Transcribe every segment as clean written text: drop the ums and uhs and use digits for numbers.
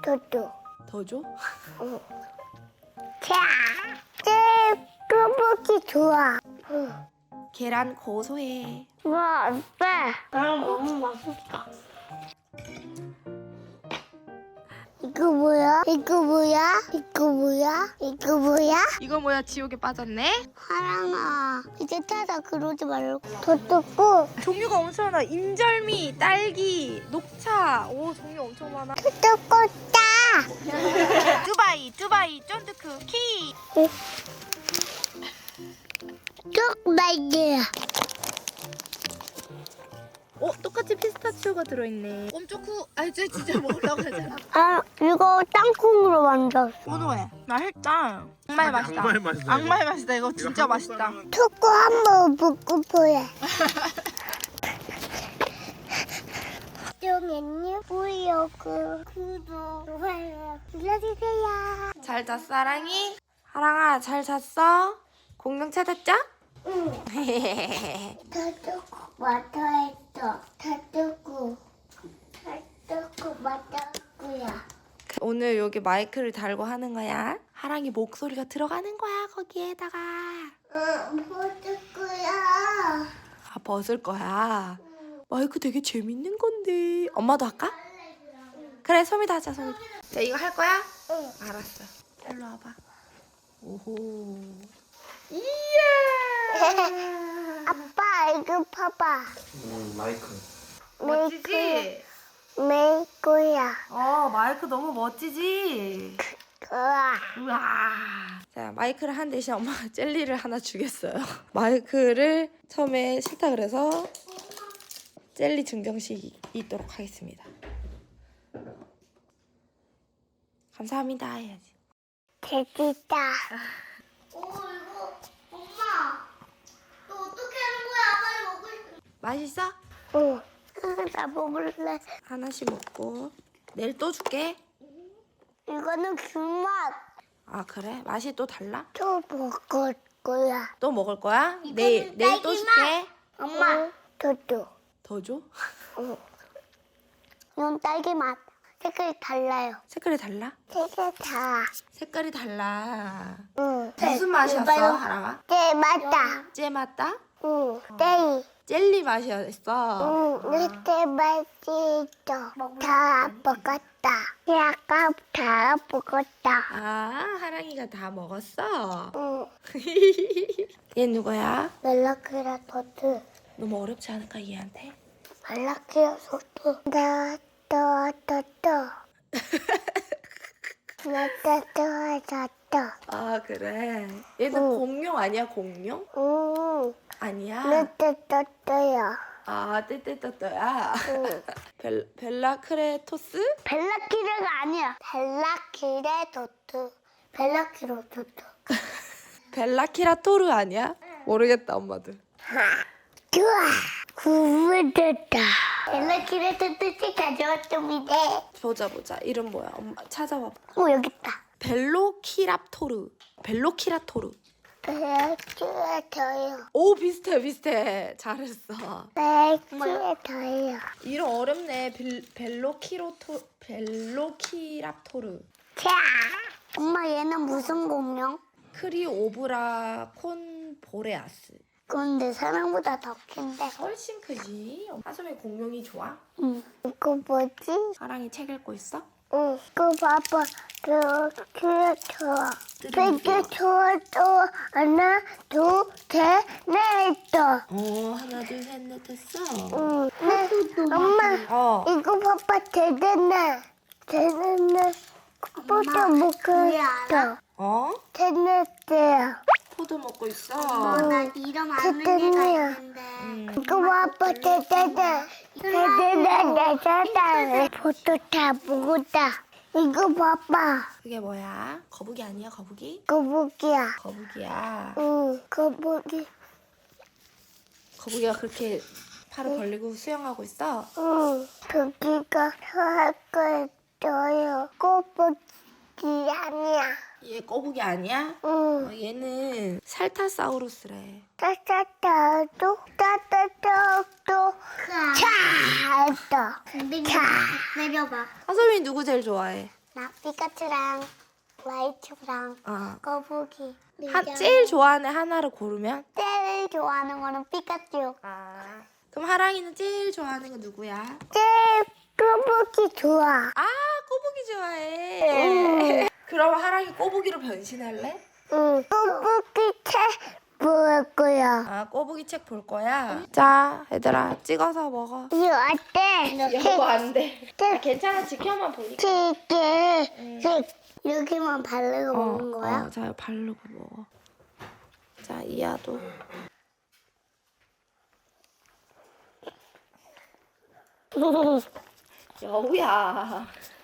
더. 더 줘? 응. 자, 거북이 좋아. 응. 계란 고소해. 와, 아빠. 나랑 너무 맛있다. 이거 뭐야? 이거 뭐야? 이거 뭐야? 이거 뭐야? 이거 뭐야? 지옥에 빠졌네? 하랑아, 이제 타다 그러지 말고. 더 뜯고, 종류가 엄청 많아. 인절미, 딸기, 녹차. 오, 종류 엄청 많아. 더 뜯고 따. 뚜바이, 쫀득 쿠키. 쭉 말게요. 똑같이 피스타치오가 들어있네. 꼼초쿠. 쟤 진짜 먹으려고 하잖아. 아, 이거 땅콩으로 만들었어. 고소해. 맛있다. 정말 맛있다. 악마의 맛이다, 악마의 맛이다. 이거 진짜 한국 맛있다. 사람은 초코 한번 먹고 보여. 쫑앤님 보이려고 구독, 좋아요 눌러주세요. 잘 잤어, 사랑이? 하랑아, 잘 잤어? 공룡 찾았죠? 응. 다 뜯고 맞아했어. 다 뜯고 맞았고요. 오늘 여기 마이크를 달고 하는 거야. 하랑이 목소리가 들어가는 거야, 거기에다가. 먹을 거야. 아, 벗을 거야. 마이크 되게 재밌는 건데. 엄마도 할까? 그래, 소미도 하자, 소미. 자, 이거 할 거야? 응. 알았어. 일로 와봐. 오호. 이야. 아빠 이거 봐봐. 마이크. 멋지지? 메이크야. 마이크 너무 멋지지? 우와. 우와. 자, 마이크를 한 대신 엄마가 젤리를 하나 주겠어요. 마이크를 처음에 싫다 그래서 젤리 증정식이 있도록 하겠습니다. 감사합니다 해야지. 됐다. 이거 엄마. 너 어떻게 하는 거야? 빨리 먹을 수. 맛있어? 응. 나 먹을래. 하나씩 먹고 내일 또 줄게. 이거는 귤맛. 아, 그래? 맛이 또 달라? 또 먹을 거야. 또 먹을 거야? 내일 또 줄게. 엄마. 저도. 더 줘? 응. 이건 딸기 맛. 색깔이 달라요. 색깔이 달라? 색깔 다. 색깔이 달라. 응. 무슨 맛이었어, 하랑아? 네, 맞다. 잼 맛다? 응. 떼이. 젤리 맛이었어. 응. 이렇게 맛있어. 다 먹었다. 약간 다 먹었다. 아, 하랑이가 다 먹었어? 응. 얘 누구야? 멜라크라 토트. 너무 어렵지 않을까, 얘한테? 멜라크라 토트. 나따따따따. 아, 그래. 얘는 응. 공룡 아니야, 공룡? 응. 아니야? 나따따따야. 아, 떼떼떠떠야. 응. 벨라크레토스? 벨라키라가 아니야. 벨라키레 토트. 벨라키로 토트. 벨라키라토르 아니야? 모르겠다, 엄마도. 좋아. 구분됐다. 벨라키레 토트씩 가져왔습니다. 보자. 이름 뭐야? 엄마 찾아봐. 여기 있다. 벨로키랍토르. 벨로키라토르. 벨라키레터예요. 오, 비슷해. 잘했어. 벨라키레터예요. 이름 어렵네. 벨로키랍토르. 자, 엄마 얘는 무슨 공룡? 크리오브라 콘보레아스. 근데 사람보다 더 큰데. 훨씬 크지. 하솜이 공룡이 좋아? 응. 이거 뭐지? 사랑이 책 읽고 있어? 응. 이거 봐봐. 벨라키레터. 되게 좋아도 하나, 둘, 셋, 넷. 하나, 둘, 셋, 넷 했어. 응. 엄마. 이거 봐봐, 대단해. 포도 먹었다. 대단해요. 포도 먹고 있어. 나 이름 아는 애가 있는데. 이거 봐봐, 대단해. 포도 다 먹었다. 이거 봐봐. 그게 뭐야? 거북이 아니야, 거북이? 거북이야. 거북이야. 응, 거북이. 거북이가 그렇게 팔을 벌리고 수영하고 있어? 응, 거북이가 할 거예요. 거북이 아니야. 얘 거북이 아니야? 응. 얘는 살타사우루스래. 따따따도 차. 내려봐. 하솜이 누구 제일 좋아해? 나 피카츄랑 라이츄랑 어. 거북이. 제일 좋아하는 하나를 고르면? 제일 좋아하는 거는 피카츄. 아. 그럼 하랑이는 제일 좋아하는 거 누구야? 제일 거북이 좋아. 아, 꼬부기 좋아해. 그럼 하랑이 꼬부기로 변신할래? 응. 거북이 책 볼 거야. 아, 꼬부기 책 볼 거야? 자, 얘들아, 찍어서 먹어. 이거 어때? 여보, 안 돼. 아, 괜찮아, 지켜만 보니까. 책. 여기만 바르고 먹는 거야? 자, 바르고 먹어. 자, 이하도. 여우야.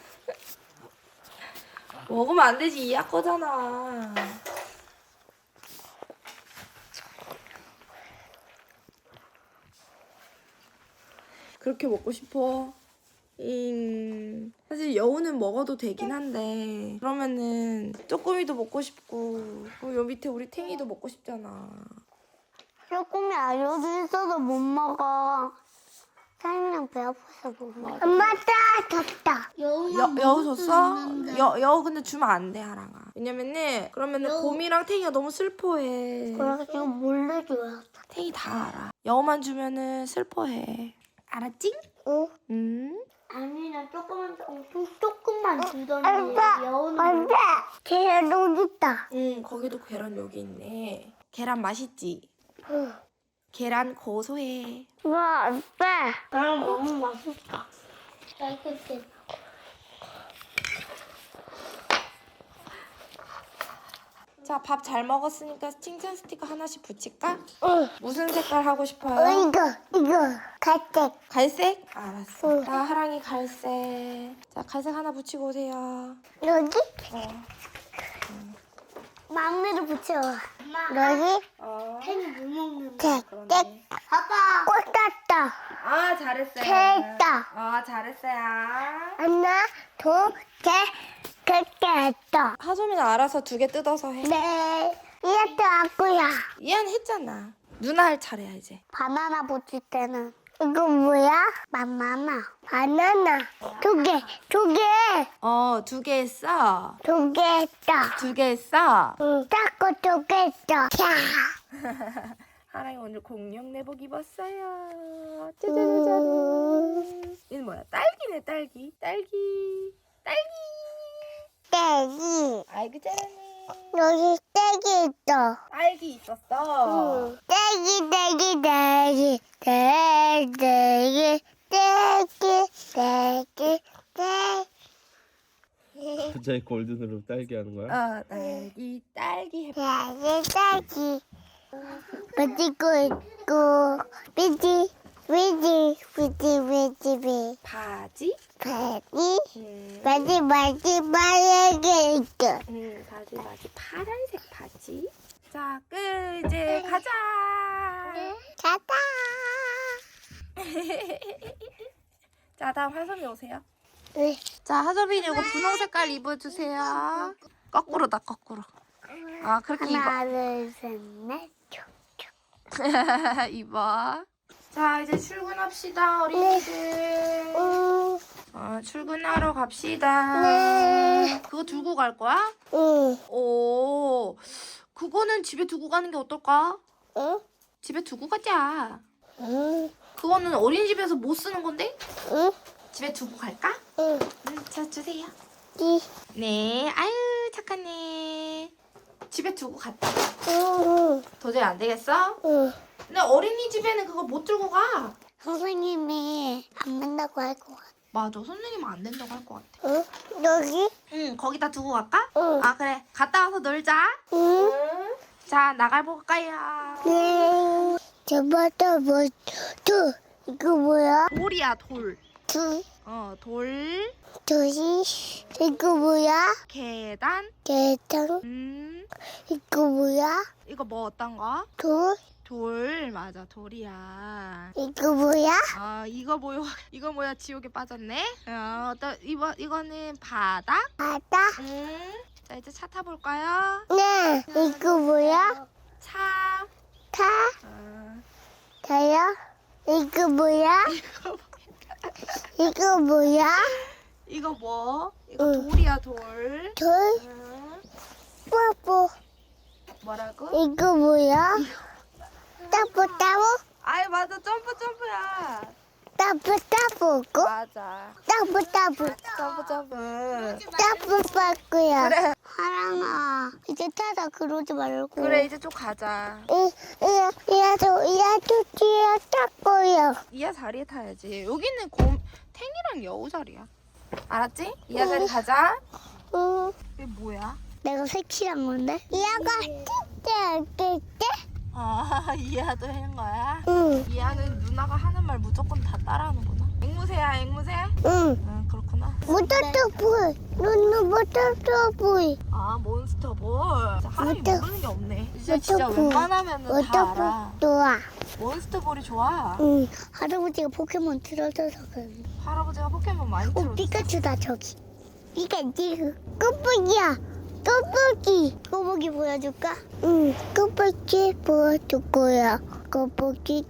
먹으면 안 되지, 이하 거잖아. 그렇게 먹고 싶어. 사실 여우는 먹어도 되긴 한데 그러면은 쪼꼬미도 먹고 싶고 그리고 요 밑에 우리 탱이도 먹고 싶잖아. 조금이 여기 있어도 못 먹어. 사장님 배 아파서 못 먹어. 엄마 줬다. 여우 줬어? 여우 근데 주면 안 돼, 하랑아. 왜냐면은 그러면은 곰이랑 탱이가 너무 슬퍼해. 그래가지고 몰래 줘야 돼. 탱이 다 알아. 여우만 주면은 슬퍼해. 알았지? 응? 아니 나 조금만 주던데 여우는 안 돼. 계란 여기 있다. 거기도 계란 여기 있네. 계란 맛있지? 응. 계란 고소해. 와, 안 돼. 나랑 너무 맛있다. 맛있게. 자, 밥 잘 먹었으니까 칭찬 스티커 하나씩 붙일까? 응. 무슨 색깔 하고 싶어요? 이거 갈색. 갈색? 알았어. 응. 나 하랑이 갈색. 자, 갈색 하나 붙이고 오세요. 여기? 어. 막내를 붙여. 여기? 캔이 못 먹는데. 그러네. 아빠. 꽂았다. 아, 잘했어요. 됐다. 잘했어요. 하나, 둘, 셋. 그렇게 했다. 하소미는 알아서 2개 뜯어서 해. 네. 이것도 왔고요. 이한 했잖아. 누나 할 차례야, 이제. 바나나 붙일 때는. 이거 뭐야? 바나나. 2개. 2개 했어. 2개 했다. 2개 했어. 응. 닦고 2개 했다. 자. 하랑이 오늘 공룡 내복 입었어요. 짜자자잔. 얘는 뭐야? 딸기네, 딸기. 딸기. 떼기. 아이고, 잘하네. 여기 떼기 있어. 딸기 있었어. 응. 떼기. 갑자기 골든으로 딸기 하는 거야? 딸기 해봐. 딸기. 가지고 있고, 비지. 바지? 바지 말게 있어. 바지. 파란색 바지. 자, 끝. 이제 가자. 가다. 자, 다음 하솜이 오세요. 네. 자, 하솜이는 이거 분홍 색깔 입어주세요. 거꾸로다, 거꾸로. 아, 그렇게 하나, 둘, 셋, 넷. 입어. 자, 이제 출근합시다, 어린이들. 출근하러 갑시다. 네. 그거 들고 갈 거야? 응. 오, 그거는 집에 두고 가는 게 어떨까? 응? 집에 두고 가자. 응. 그거는 어린이집에서 못 쓰는 건데? 응? 집에 두고 갈까? 응. 자, 주세요. 이. 네, 아유, 착하네. 집에 두고 갔다. 응. 도저히 안 되겠어? 응. 근데 어린이집에는 그거 못 들고 가. 선생님이 안 된다고 할 것 같아. 맞아, 선생님은 안 된다고 할 것 같아. 응? 여기? 응, 거기다 두고 갈까? 응. 아, 그래. 갔다 와서 놀자. 응. 자, 나가볼까요? 네. 저번에 이거 뭐야? 돌이야, 돌. 돌. 둘이 이거 뭐야? 계단. 계단. 이거 뭐야? 이거 뭐 어떤 거? 돌, 맞아, 돌이야. 이거 뭐야? 이거 뭐야, 지옥에 빠졌네? 이거는 바닥? 바다? 자, 이제 차 타볼까요? 네. 이거 뭐야? 차. 다요? 이거 뭐야? 이거 뭐야? 이거 뭐? 이거 돌이야 돌. 돌? 응. 뽀뽀. 뭐라고? 이거 뭐야? 따보. 아이 맞아 점프야. 따보. 맞아. 따보. 점프. 빠꾸야. 그래. 하랑아, 이제 타다 그러지 말고. 그래 이제 좀 가자. 이야도 뒤에 따꾸야. 이하 자리에 타야지. 여기는 탱이랑 여우 자리야. 알았지? 이하 자리 가자. 응. 이게 뭐야? 내가 색칠한 건데? 이야가 뜰 때? 아 이하도 한 거야? 응. 이하는 누나가 하는 말 무조건 다 따라하는구나. 앵무새야 앵무새? 응. 응 그렇구나. 모터볼. 눈 모터볼. 아 몬스터볼. 진짜 하람이 모터- 모르는 게 없네. 진짜 모터볼. 웬만하면은 다 알아. 모터볼 좋아. 몬스터볼이 좋아. 응. 할아버지가 포켓몬 틀어줘서 그래. 할아버지가 포켓몬 많이 틀어줬어. 피카츄다 저기. 피카츄. 꼬부기 보여줄까? 응. 꼬부기 보여줄 거야. 꼬부기.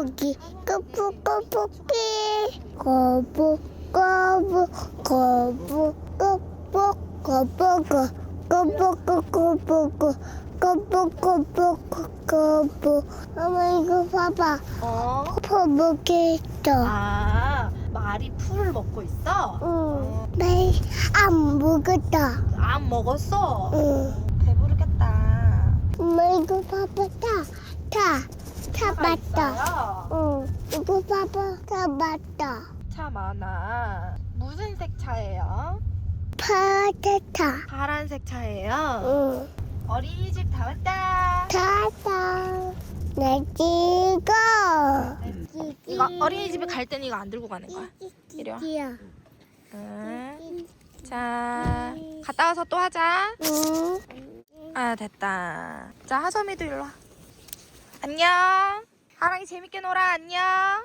엄마 이거 봐봐. 어? 퍼먹겠어. 아 말이 풀을 먹고 있어? 응. 안 먹었다. 안 먹었어? 응. 배부르겠다. 엄마 이거 봐봐. 타 차가 맞다. 있어요? 응. 이거 봐봐. 타 맞다. 차 많아. 무슨 색 차예요? 파타타. 파란색 차예요? 응. 어린이집 다 왔다. 타타. 내 찍어. 이거 어린이집에 갈 때는 이거 안 들고 가는 거야. 이리 와. 야. 응. 자, 갔다 와서 또 하자. 응. 아, 됐다. 자, 하솜이도 일로 와. 안녕. 하랑이 재밌게 놀아. 안녕.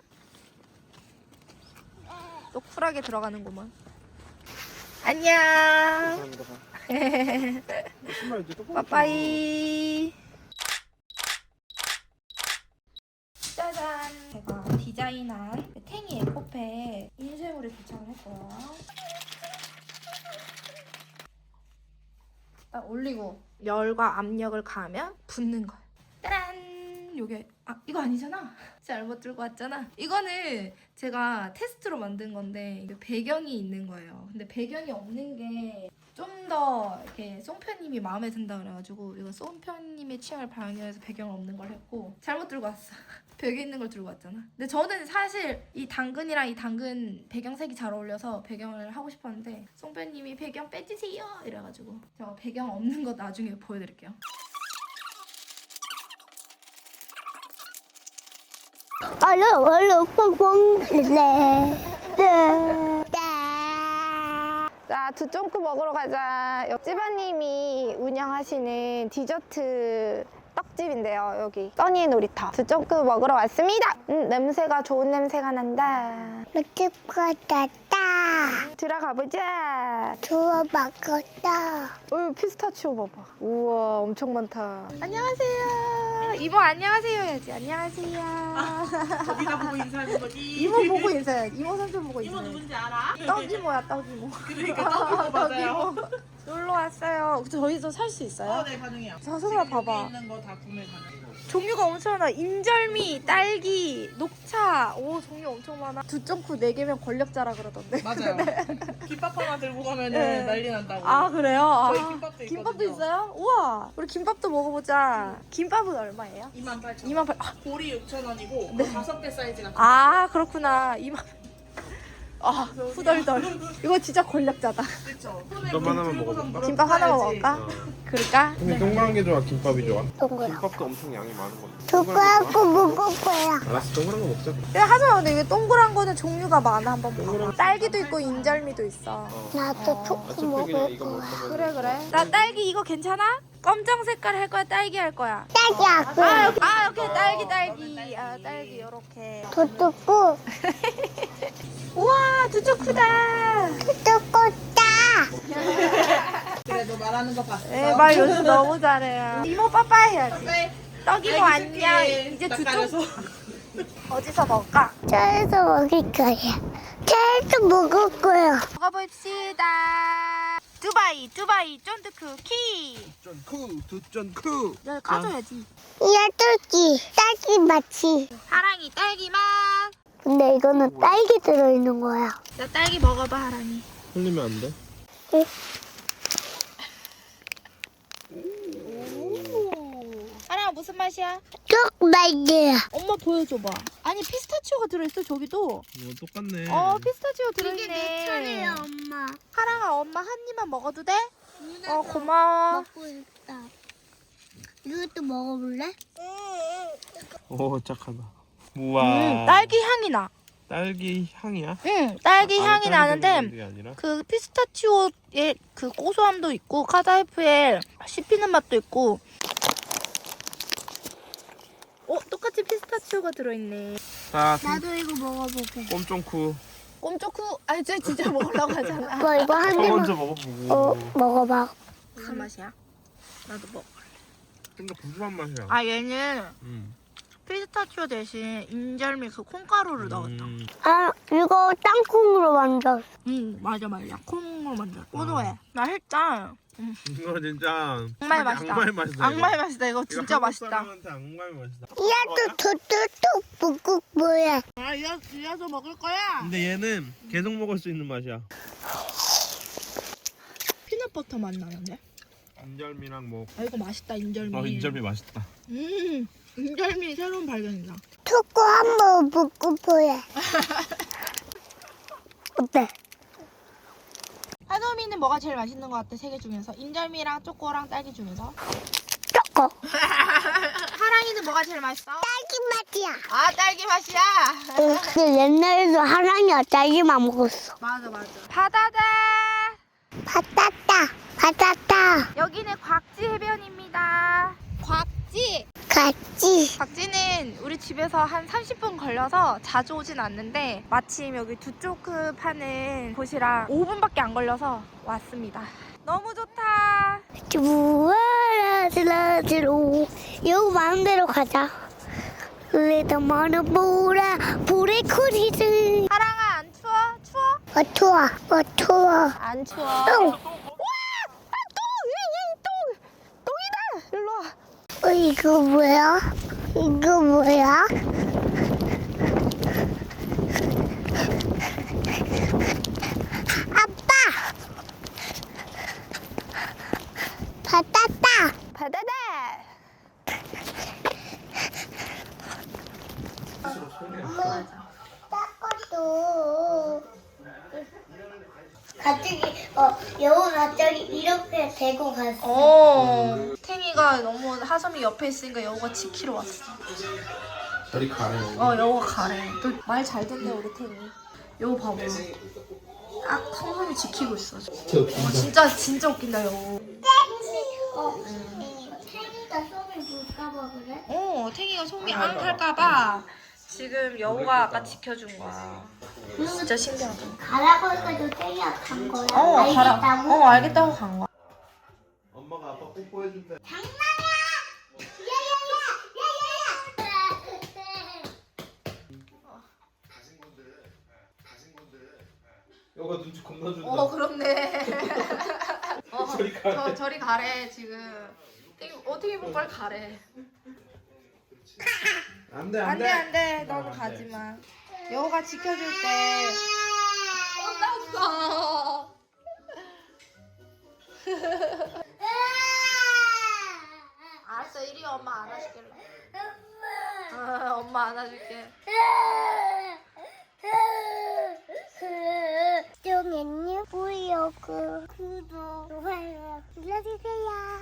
또 쿨하게 들어가는구만. 안녕. 신발 이제 똑같이 빠빠이. 짜잔. 제가 디자인한 탱이 에코팩 인쇄물에 도착을 했고요. 딱 올리고 열과 압력을 가하면 붙는 거야. 짜란. 요게 이거 아니잖아. 잘못 들고 왔잖아. 이거는 제가 테스트로 만든 건데 이게 배경이 있는 거예요. 근데 배경이 없는 게 좀 더 이렇게 송편님이 마음에 든다 그래가지고 이거 송편님의 취향을 반영해서 배경을 없는 걸 했고 잘못 들고 왔어. 벽에 있는 걸 들고 왔잖아. 근데 저는 사실 이 당근이랑 이 당근 배경색이 잘 어울려서 배경을 하고 싶었는데 송편님이 배경 빼주세요 이래가지고 제가 배경 없는 거 나중에 보여드릴게요. 얼른 뽕뽕. 자, 두쫑크 먹으러 가자. 옆집아님이 운영하시는 디저트 떡집인데요. 여기 써니의 놀이터 두쫑크 먹으러 왔습니다. 냄새가 좋은 냄새가 난다. 맛집 같았다. 들어가 보자. 좋아 먹었다. 피스타치오 봐봐. 우와, 엄청 많다. 안녕하세요. 이모 안녕하세요 해야지. 안녕하세요. 거기다 보고 인사하는 거지. 이모 보고 인사해야지. 이모 삼촌 보고 이모 인사해. 누군지 알아? 떡이모야, 떡이모. 그러니까 떡이모 맞아요. 놀러 왔어요. 저희도 살 수 있어요? 네 가능해요. 자, 소라 봐봐. 여기 있는 거 다 구매 가능. 종류가 엄청 많아. 인절미, 딸기, 녹차. 오, 종류 엄청 많아. 두쫑쿠 4개면 권력자라 그러던데. 맞아요. 김밥 하나 들고 가면은 네. 난리 난다고. 아, 그래요? 저희 아, 김밥도 김밥도 있거든요. 있어요? 우와. 우리 김밥도 먹어보자. 김밥은 얼마예요? 28,000원. 28,000원. 볼이 6,000원이고 네. 5개 사이즈가. 아, 그렇구나. 2만. 아, 후덜덜. 이거 진짜 권력자다. 그렇죠. 김밥 하나만 먹어볼까? 김밥 하나만 먹을까? 그럴까? 근데 동그란 게 좋아? 김밥이 좋아? 동그란. 김밥도 엄청 양이 많은 건데. 두꺼하고 먹을 거야. 알았어, 동그란 거 먹자. 근데 하지마. 근데 이게 동그란 거는 종류가 많아. 한번 봐봐. 동그란 딸기도 있고 인절미도 있어. 나도 초코 어차피 그냥 먹을 이거 먹을 거야. 거면. 그래. 나 딸기 이거 괜찮아? 검정 색깔 할 거야? 딸기 할 거야? 딸기하고 이렇게 딸기. 아, 딸기 요렇게. 더 뜯고 우와, 두쪽 크다. 뜯었다. 그래 너 말하는 거 봤어. 네, 말 요즘 너무 잘해요. 이모 빠빠이 해야지. 네. 떡이모 안녕. 이제 두쪽 어디서 먹을까? 저에서 먹을 거야. 케이크 먹을 거야. 먹어봅시다. 두바이 쫀득 쿠키. 두쩐쿠. 여기 까줘야지. 야tur기 딸기 맛이. 하랑이 딸기 맛. 근데 이거는 딸기 들어있는 거야. 나 딸기 먹어봐 하랑이. 흘리면 안 돼? 하랑아 무슨 맛이야? 쪽말이야. 엄마 보여줘봐. 아니 피스타치오가 들어있어 저기도. 이거 똑같네. 피스타치오 들어있네. 엄마. 하랑아 엄마 한 입만 먹어도 돼? 고마워. 먹고 있다. 이것도 먹어볼래? 오 착하다. 우와. 딸기 향이 나. 딸기 향이야? 응, 딸기 안에 향이 딸기 나는데 들어있는 게 아니라? 그 피스타치오의 그 고소함도 있고 카다이프의 씹히는 맛도 있고. 똑같이 피스타치오가 들어있네. 자, 나도 이거 먹어볼게. 꼼쫑쿠. 꼼초쿠, 아니 쟤 진짜 먹으려고 하잖아. 뭐 이거 한 입만. 먼저 먹어보고. 먹어봐. 무슨 맛이야? 나도 먹어. 좀 더 구수한 맛이야. 아 얘는 음. 피스타치오 대신 인절미 그 콩가루를 넣었다. 아 이거 땅콩으로 만들었어. 맞아. 콩으로 만들어. 고소해. 맛있다. 이거 진짜 정말 맛있다. 악마의 맛이다. 악마의 맛이다. 이거 진짜 한국 맛있다. 사람한테 악마의 맛이다. 야또 토토토 북극 뭐야? 아 이어서 먹을 거야. 근데 얘는 계속 먹을 수 있는 맛이야. 피넛버터 맛 나는데? 인절미랑 뭐. 아 이거 맛있다 인절미. 인절미 맛있다. 인절미 새로운 발견이다. 초코 한번 먹고 보여. 어때? 한우미는 뭐가 제일 맛있는 것 같아? 세 개 중에서 인절미랑 초코랑 딸기 중에서. 초코. 하랑이는 뭐가 제일 맛있어? 딸기 맛이야. 아 딸기 맛이야. 근데 옛날에도 하랑이가 딸기만 먹었어. 맞아. 바다다. 바다다. 여기는 곽지 해변입니다. 곽지. 같이. 곽지는 우리 집에서 한 30분 걸려서 자주 오진 않는데 마침 여기 두초크 파는 곳이랑 5분밖에 안 걸려서 왔습니다. 너무 좋다. 주라지라지로 여기 많은 데로 가자. 우리도 많은 보라 불의 코리들. 하랑아 안 추워? 추워? 추워. 안 추워. 똥. 똥이다. 일로 와. 이거 뭐야? 아빠. 바다다. 닦아도 갑자기 여우 갑자기 이렇게 대고 갔어. 탱이가 너무 하섬이 옆에 있으니까 여우가 지키러 왔어. 저리 가래. 여우가 가래. 또 말 잘 듣네 우리 탱이. 여우 봐봐. 딱 성섬이 지키고 있어. 진짜 웃긴다 여우. 태기가 손을 볼까봐 그래? 탱이가 속이 안 탈까봐 지금 여우가 아까 지켜준 거야. 진짜 신기하다. 가라고 해가지고 태기가 간 거야. 가라. 알겠다고? 알겠다고 간 거야. 엄마가 아빠 뽀뽀해준대. 장난이야! 여가 눈치 겁나 준다. 그렇네. 저리 가래. 저리 가래 지금. 어떻게 보면 빨리 가래. 안돼 안돼 너는 가지 마. 여우가 지켜줄 때. 혼났어. 알았어 이리 와, 엄마 안아줄게. 엄마 안아줄게. 쫑앤유 보이오구 구독 좋아요 눌러주세요.